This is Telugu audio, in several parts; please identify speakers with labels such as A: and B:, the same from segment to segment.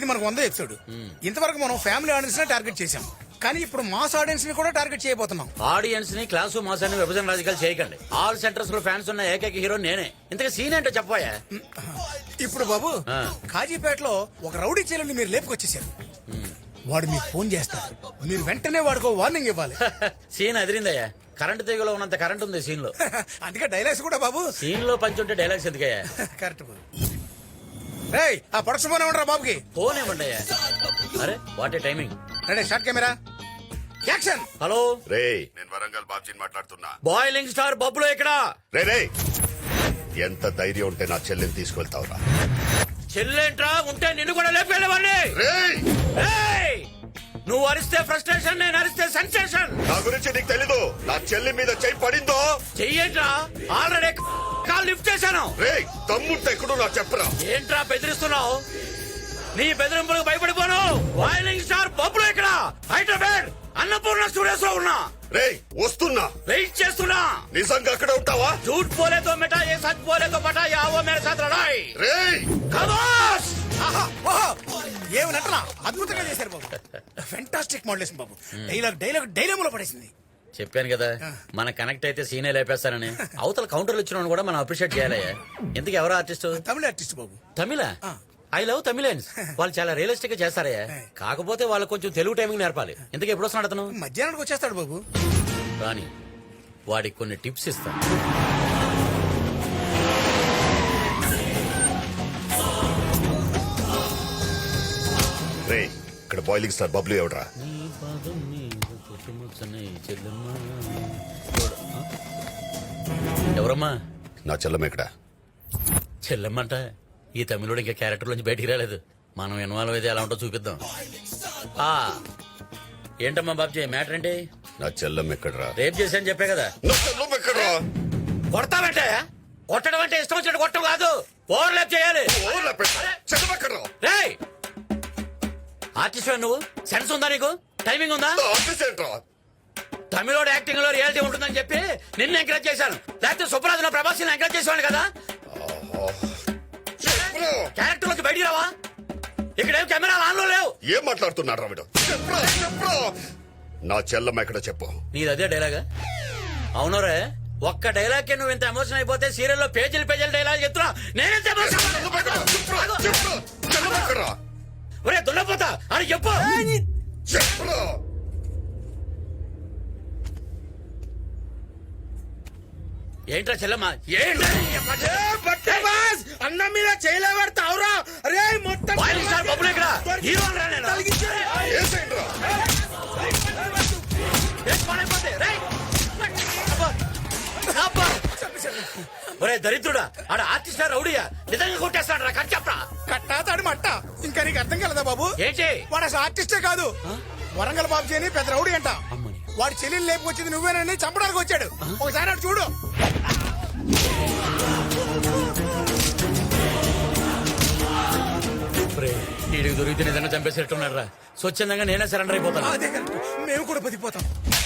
A: ఇది మనకు 100 ఎపిసోడ్. ఇంతవరకు మనం ఫ్యామిలీ ఆడియన్స్ నే టార్గెట్ చేసాం, కానీ ఇప్పుడు మాస్ ఆడియన్స్ ని కూడా టార్గెట్ చేయబోతున్నాం.
B: ఆడియన్స్ ని క్లాసు మాస్ అని విభజన రాజకీయాలు చేయకండి. ఆల్ సెంటర్స్ లో ఫ్యాన్స్ ఉన్న ఏకైక హీరో నేనే. ఇంతగా సీన్ ఏంటో చెప్పాయా?
A: ఇప్పుడు బాబు కాజీపేటలో ఒక రౌడీ చీలని మీరు లేపుకొచ్చేసారు. వాడు మీకు ఫోన్ చేస్తాడు, మీరు వెంటనే వాడికి వార్నింగ్ ఇవ్వాలి.
B: సీన్ అదిరిందయ్యా. కరెంట్ తీగలో ఉన్నంత కరెంట్ ఉంది సీన్ లో.
A: అందుకే డైలాగ్స్ కూడా బాబు
B: సీన్ లో పంచి ఉంటే డైలాగ్స్ ఎందుకయ్యా?
A: కరెక్ట్ బాబు. రేయ్, ఆ ప్రొడక్షన్ ఫోన్ ఏమంటారా బాబుకి?
B: ఫోన్ ఏమండి అయ్యా? అరే what a timing.
A: Ready, short camera, action.
B: Hello
C: రే, నేను వరంగల్ బాబ్జీని మాట్లాడుతున్నా.
B: బాయిలింగ్ స్టార్ బబ్బులో ఇక్కడ.
C: రే, ఎంత ధైర్యం ఉంటే నా చెల్లిని తీసుకెళ్తావురా?
B: చెల్లెంట్రా ఉంటే నిన్ను కూడా లేపేవాడిని.
C: రేయ్,
B: నువ్వు అరిస్తే ఫ్రస్ట్రేషన్, నేను అరిస్తే సెన్సేషన్.
C: నా గురించి నీకు తెలీదు. నా చెల్లి మీద చెయ్యి పడిందో
B: చెయ్యేంట్రా? ఆల్రెడీ కాల్ లిఫ్ట్ చేశాను.
C: రే, తమ్ముంటే ఎక్కడో నాకు చెప్పరా.
B: ఏంట్రా బెదిరిస్తున్నావు? నీ బెదిరింపులకు భయపడిపోను. బాయిలింగ్ స్టార్ బబ్బులో ఇక్కడ హైదరాబాద్ అన్నపూర్ణ స్టూడియోస్ లో ఉన్నా.
C: రే, వస్తున్నా.
B: వెయిట్ చేస్తున్నా.
C: నిజంగా అక్కడ ఉంటావా?
B: झूठ बोले तो मिटा, ये सच बोले तो पटा, या वो मेरे साथ लड़ाई.
C: రేయ్,
B: खमोश.
A: ఏమి నటన అద్భుతంగా చేశారు బాబు. ఫెంటాస్టిక్ మోడలేషన్ బాబు. డైలాగ్ పడేసింది.
B: చెప్పాను కదా, మన కనెక్ట్ అయితే సీనే లేపేస్తానని. అవతల కౌంటర్లు ఇచ్చిన కూడా మనం అప్రిషియేట్ చేయాలయ్యా. ఎందుకు ఎవరో ఆర్టిస్ట్?
A: తమిళ ఆర్టిస్ట్ బాబు.
B: తమిళ? I love Tamilians. వాళ్ళు చాలా రియలిస్టిక్ గా చేస్తారయ్యా. కాకపోతే వాళ్ళు కొంచెం తెలుగు టైమింగ్ నేర్పాలి. ఎందుకు ఎప్పుడు వస్తున్నాడు అతను?
A: మధ్యాహ్నానికి వచ్చేస్తాడు బాబు.
B: కానీ వాడికి కొన్ని టిప్స్ ఇస్తాను.
C: రే, ఇక్కడ బాయిలింగ్ స్టార్ బబ్లు ఎవడరా?
B: ఎవరమ్మా?
C: నా చెల్లమ్మ ఎక్కడ?
B: చెల్లెమ్మంట. ఈ తమిళుడు ఇంకా క్యారెక్టర్ నుంచి బయటికి రాలేదు. మనం ఇన్వాల్వ్ అయితే ఎలా ఉంటో చూపిద్దాం. ఏంటమ్మా బాబ్జీ, మ్యాటర్ ఏంటి?
C: నా చెల్లమ్మ ఎక్కడరా?
B: రేప్ చేశాను చెప్పే కదా.
C: నా చెల్లమ్మ ఎక్కడరా?
B: కొడతామంటే కొట్టడం అంటే ఇష్టం వచ్చినట్టు కొట్టడం కాదు, ఓవర్లాప్ చేయాలి.
C: చెల్లమ్మ ఎక్కడరా?
B: రేయ్, ఆర్టిస్ట్ నువ్వు, సెన్స్ ఉందా నీకు? టైమింగ్ ఉందా? తమిళోడు యాక్టింగ్ లో రియాలిటీ ఉంటుందని చెప్పి నిన్ను ఎంకరేజ్ చేశాను. లేకపోతే సుప్రాజ్ ప్రభాస్ ఎంకరేజ్ చేసేవాడు కదా. క్యారెక్టర్ లోకి బయటికి రావా? ఇక్కడేం కెమెరాలు ఆన్ లో లేవు.
C: ఏం మాట్లాడుతున్నాడు రావిడ? నా చెల్లమ్మ ఎక్కడ చెప్పు.
B: నీది అదే డైలాగా? అవునరే, ఒక్క డైలాగ్ కి నువ్వు ఇంత ఎమోషన్ అయిపోతే సీరియల్ లో పేజీలు డైలాగ్ చెప్తున్నా. నేనెంత ఒరే దున్నపోతా అని చెప్పు. ఏంట్రా చెల్లమ్మ?
A: అన్నం మీద చేయలేవడతావురా? అరే మొత్తం
B: బబ్బులు ఇక్కడ హీరో ఒరే దరిద్రుడా, ఆడ ఆర్టిస్ట్ రౌడీయా? నిజంగా కొట్టేస్తాడు రా. కట్ చెప్పరా?
A: కట్టాతాడు మట్ట. ఇంకా నీకు అర్థం కలదా బాబు?
B: ఏంటి?
A: వాడు అసలు ఆర్టిస్టే కాదు, వరంగల్ బాబు అని పెద్ద రౌడీ అంట. వాడి చెల్లెలు లేపుకొచ్చింది నువ్వేనని చంపడానికి వచ్చాడు. ఒకసారి అటు చూడు.
B: వీడికి దొరికితే నిజంగా చంపేసేట్టున్నాడు రా. స్వచ్ఛందంగా నేనే సరెండర్ అయిపోతాను.
A: అదే కరెక్ట్, మేము కూడా బతికిపోతాం.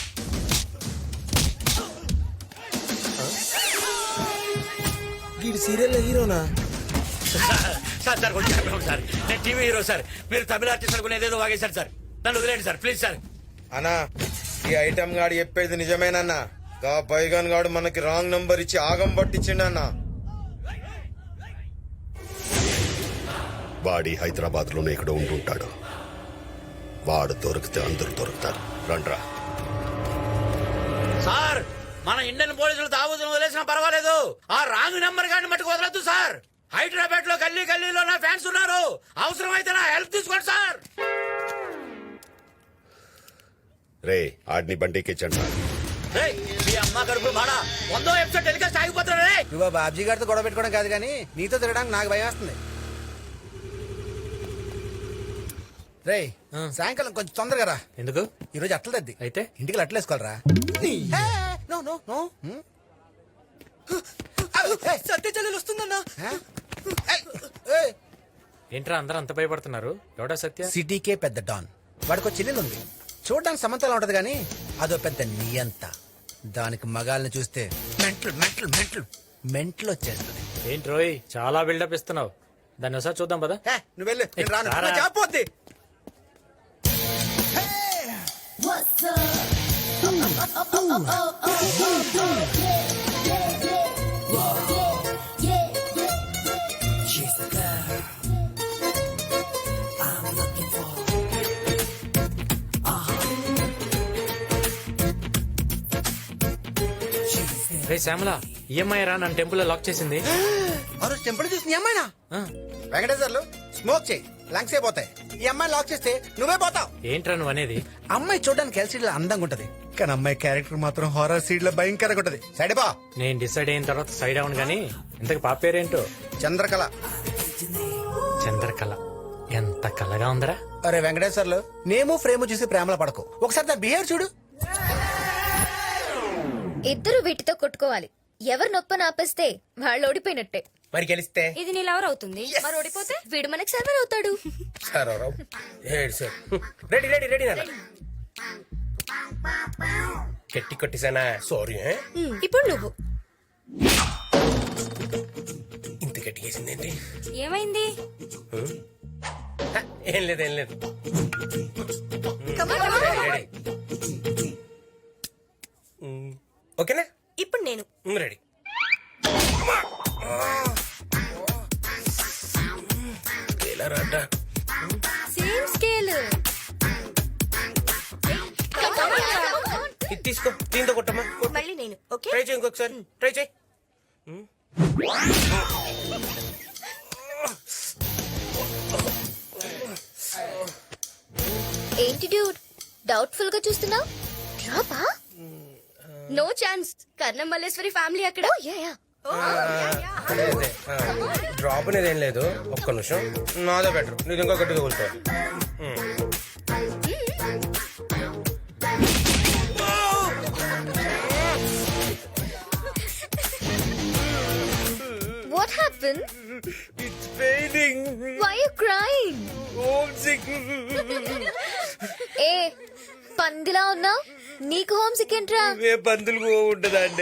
D: వీడి సీరియల్ హీరోనా?
B: సార్ సార్ కొంచెం సార్, నేను టీవీ హీరో సార్. మీరు తమిళ ఆర్టిస్ట్ అనుకుని ఏదేదో వాగేశారు సార్. నన్ను వదిలేండి సార్, ప్లీజ్ సార్.
D: అన్నా, ఈ ఐటమ్ గాడు చెప్పేది నిజమేనన్నా. గా బైగాన్ గాడు మనకి రాంగ్ నంబర్ ఇచ్చి ఆగం పట్టించిండన్నా.
C: వాడి హైదరాబాద్ లోనే ఇక్కడ ఉంటుంటాడు. వాడు దొరికితే అందరూ దొరుకుతారు. రండ్రా.
B: సార్, మన ఇండియన్ పోలీసులు దావూదును వదిలేసినా పర్వాలేదు, ఆ రాంగ్ నెంబర్ గాని మట్టుకు వదలొద్దు సార్. హైదరాబాద్ లో గల్లీలో నా ఫ్యాన్స్ ఉన్నారు. అవసరం అయితే నా హెల్ప్ తీసుకోండి సార్.
C: రే, ఆడిని బండికి ఇచ్చండి.
B: మీ అమ్మ కడుపు మాడా 100వ ఎపిసోడ్ టెలికాస్ట్ ఆగిపోతున్నా.
D: నువ్వు బాబ్జీ గారితో గొడవ పెట్టుకోవడం కాదు కానీ నీతో తిరగడానికి నాకు భయం వేస్తుంది. రేయ్, సాయంకాలం కొంచెం తొందరగా రా.
E: ఎందుకు?
D: ఈ రోజు అట్ల తద్ది
E: అయితే
D: ఇంటికి అట్ల వేసుకోవాలరా.
E: సత్య చెల్లెలు వస్తుందన్నా. ఏంట్రా అందరూ అంత భయపడుతున్నారు? ఎవడా సత్య?
D: సిటీకే పెద్ద డాన్. వాడికి చెల్లెలు ఉంది, చూడడానికి సమంతలా ఉంటది గానీ అదో పెద్ద నియంత. దానికి మగాల్ని చూస్తే మెంటల్ వచ్చేస్తుంది.
E: ఏంటి రోయ్, చాలా బిల్డప్ ఇస్తున్నావు. దాన్ని ఒకసారి చూద్దాం పదా.
D: నువ్వు వెళ్ళు, నేను రాను.
E: రారా.
D: నా జాబ్ పోద్ది.
E: రే శ్యామల, ఈఎంఐ రా నన్ను టెంపుల్ లో లాక్ చేసింది.
D: ఆ రోజు టెంపుల్ చూసి నీ అమ్మాయినా?
E: ఆ,
D: వెంకటేశ్వర్లు స్మోక్ చేయి, లంగ్స్ అయిపోతాయి. ఈ అమ్మాయి లాక్ చేస్తే నువ్వే పోతావు.
E: ఏంట్రా నువ్వు అనేది?
D: అమ్మాయి చూడడానికి ఎల్సీడీ లో అందంగా ఉంటది, కానీ అమ్మాయి క్యారెక్టర్ మాత్రం హారర్ సీడ్ లో భయంకరంగా ఉంటది. సైడ్ బా.
E: నేను డిసైడ్ అయిన తర్వాత సైడ్ అవును గానీ ఇంతకు పాప పేరేంటో?
D: చంద్రకళ.
E: చంద్రకళ. ఎంత కళగా ఉందరా.
D: అరే వెంకటేశ్వర్లు, నేము ఫ్రేమ్ చూసి ప్రేమలో పడకు, ఒకసారి దాని బిహేవియర్ చూడు.
F: ఇద్దరు వీటితో కొట్టుకోవాలి. ఎవరు నొప్పని ఆపేస్తే వాళ్ళు ఓడిపోయినట్టే.
D: మరి గెలిస్తే
F: ఇది నీ లవర్ అవుతుంది, మరి ఓడిపోతే వీడు మనకి సర్వర్ అవుతాడు.
G: రెడీ రెడీ రెడీ నాన్న. గట్టి కొట్టేసానా? సారీ.
F: ఇప్పుడు నువ్వు.
G: ఇంత గట్టి వేసిందేంటి?
F: ఏమైంది?
G: ఏం లేదు ఏం లేదు. రెడీ. ఓకేనా?
F: ఇప్పుడు నేను.
G: రెడీ. ఎలా రాడ్డా?
F: Same scale.
G: ఇది తీసుకో, దీంతో కొట్టమ్మా.
F: మళ్ళీ నేను. ఓకే.
G: ట్రై చేయి, ఇంకొకసారి ట్రై చేయి.
F: ఏంటి డ్యూడ్ డౌట్ఫుల్ గా చూస్తున్నావు? డ్రాపా? No chance. Karnam Malleswari family అక్కడ.
G: అదే డ్రాప్ అనేది ఏం లేదు. ఒక్క నిమిషం, నాదే బెటర్. నీది ఇంకా గట్టిగా కూర్చో.
F: What happened?
G: It's fading.
F: Why are you crying?
G: Homesick.
F: ఏ పందిలా ఉన్నావు? నీకు హోమ్ సిక్ ఏంట్రా?
G: ఏ పందులు ఉంటదా అండి?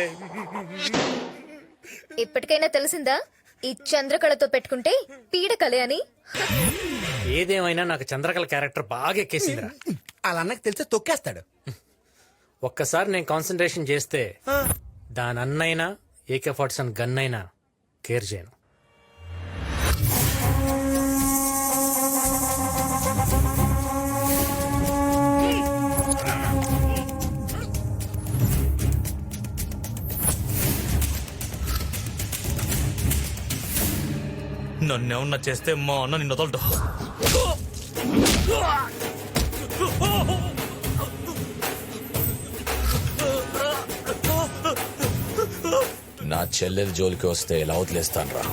F: ఇప్పటికైనా తెలిసిందా ఈ చంద్రకళతో పెట్టుకుంటే పీడకలే అని?
E: ఏదేమైనా నాకు చంద్రకళ క్యారెక్టర్ బాగా ఎక్కేసిందిరా.
D: వాళ్ళ అన్నకి తెలిస్తే తొక్కేస్తాడు.
E: ఒక్కసారి నేను కాన్సన్ట్రేషన్ చేస్తే దాని అన్నైనా AK-47 గన్ అయినా కేర్ చేయను.
H: నన్నేమన్నా చేస్తే మా అన్న నిన్ను వదలడు.
I: నా చెల్లెల జోలికి వస్తే ఎలా వదిలేస్తాను రా.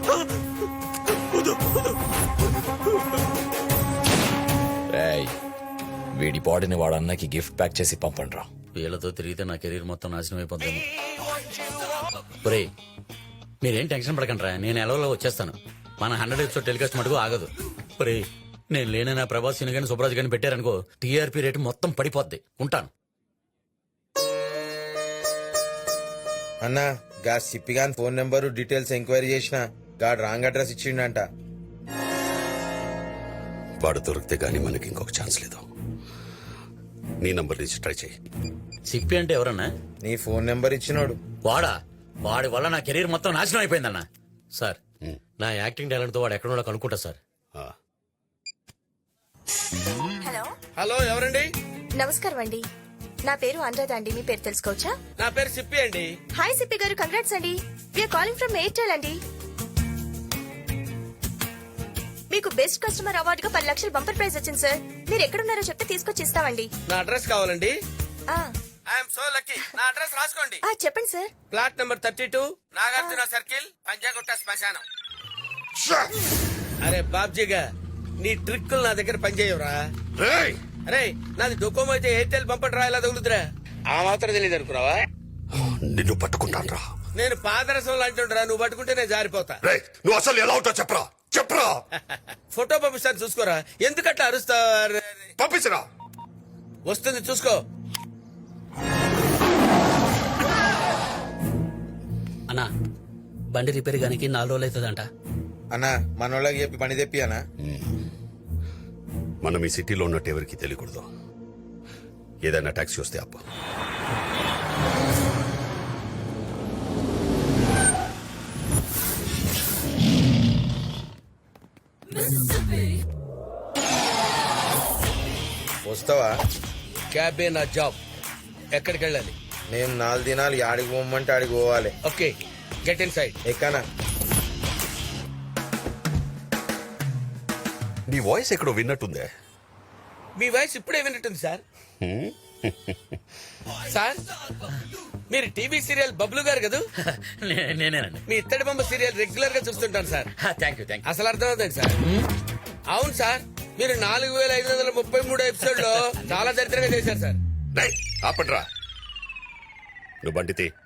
I: రేయ్, వీడి బాడీని వాడు అన్నకి గిఫ్ట్ ప్యాక్ చేసి పంపండి రా.
B: వీళ్ళతో తిరిగితే నా కెరీర్ మొత్తం నాశనం అయిపోతుంది. ఒరేయ్, మీరేం టెన్షన్ పడకండి రా, నేను ఎలవలో వచ్చేస్తాను. మన 100 ఎపిసోడ్ టెలికాస్ట్ మటుకు ఆగదు. ఒరేయ్, నేను లేనైనా ప్రభాస్ సిని కానీ సుబ్రాజ్ కానీ పెట్టారనుకో, టీఆర్పీ రేటు మొత్తం పడిపోద్ది. ఉంటాను.
J: అన్నా గా సిప్పిగాన్ ఫోన్ నెంబరు డీటెయిల్స్ ఎంక్వైరీ చేసిన గాడు రాంగ్ అడ్రస్ ఇచ్చిండంట.
C: వాడు దొరికితే గానీ మనకి ఇంకొక ఛాన్స్ లేదు. నీ నంబర్ నుంచి ట్రై చేయి.
B: సిప్పి అంటే ఎవరన్నా?
J: నీ ఫోన్ నెంబర్ ఇచ్చినోడు.
B: వాడా? వాడి వల్ల నా కెరీర్ మొత్తం నాశనం అయిపోయిందన్నా. సార్, నా యాక్టింగ్ టాలెంట్ తో వాడు ఎక్కడో కనుక్కుంటా సార్.
F: హలో.
G: హలో, ఎవరండి?
F: నమస్కారం అండి, నా పేరు అనురాధ అండి. మీ పేరు తెలుసుకోవచ్చా?
G: నా పేరు సిప్పి అండి.
F: హాయ్ సిప్పి గారు, కంగ్రాట్స్ అండి. వీఆర్ కాలింగ్ ఫ్రమ్ ఎయిర్టెల్ అండి. మీకు బెస్ట్ కస్టమర్ అవార్డుగా 10 లక్షల బంపర్ ప్రైజ్ వచ్చింది సార్. మీరు ఎక్కడున్నారో చెప్తే తీసుకొచ్చి ఇస్తామండి.
G: నా అడ్రస్ కావాలండి.
F: ఆ,
G: ఐఎమ్ సో లక్కీ. నా అడ్రస్ రాసుకోండి.
F: ఆ, చెప్పండి sir.
G: Flat number 32, Nagarjuna circle, Panjagutta శ్మశానం. అరే బాబ్జీగా, నీ ట్రిక్కులు నా దగ్గర పనిచేయవురా. అరే, నాది డొకోమో అయితే ఎయిర్టెల్ బంపర్ రాయలా తగులుతురా. ఆ మాత్రం తెలియదు అనుకున్నావా?
C: నిన్ను పట్టుకుంటాను రా.
G: నేను పాదరసం లాంటిరా, నువ్వు పట్టుకుంటే నేను జారిపోతా.
C: నువ్వు అసలు ఎలా ఉంటావు చెప్పరా, చెప్పరా.
G: ఫోటో పంపిస్తాను చూసుకోరా. ఎందుకట్లా అరుస్తావు?
C: పంపించరా.
G: వస్తుంది చూసుకో.
B: అన్నా, బండి రిపేర్ గానికి 4 రోజులు అవుతుందంట.
J: అన్నా మనోళ్ళకి చెప్పి పని తెప్పి అన్నా.
C: మనం ఈ సిటీలో ఉన్నట్టు ఎవరికి తెలియకూడదు. ఏదైనా ట్యాక్సీ వస్తే అప్ప.
J: వస్తావా?
G: క్యాబే నా జాబ్. ఎక్కడికి వెళ్ళాలి?
J: నేను 4 దినాలు ఆడికి పోమంటే ఆడికి పోవాలి.
G: Okay, get inside.
J: ఎక్కనా?
C: నీ వాయిస్ ఎక్కడో విన్నట్టుందే.
G: మీ వాయిస్ ఇప్పుడే విన్నట్టుంది సార్. సార్ మీరు టీవీ సీరియల్ బబ్లు గారు కదా?
B: నేనేనండి.
G: మీ ఇత్తడి బొమ్మ సీరియల్ రెగ్యులర్ గా చూస్తుంటాను సార్.
B: Thank you.
G: అసలు అర్థమవుతుంది సార్. అవును సార్, మీరు 4533 ఎపిసోడ్ లో చాలా దరిద్రంగా చేశారు సార్.
C: ఆపండ్రా. నువ్వు బండితే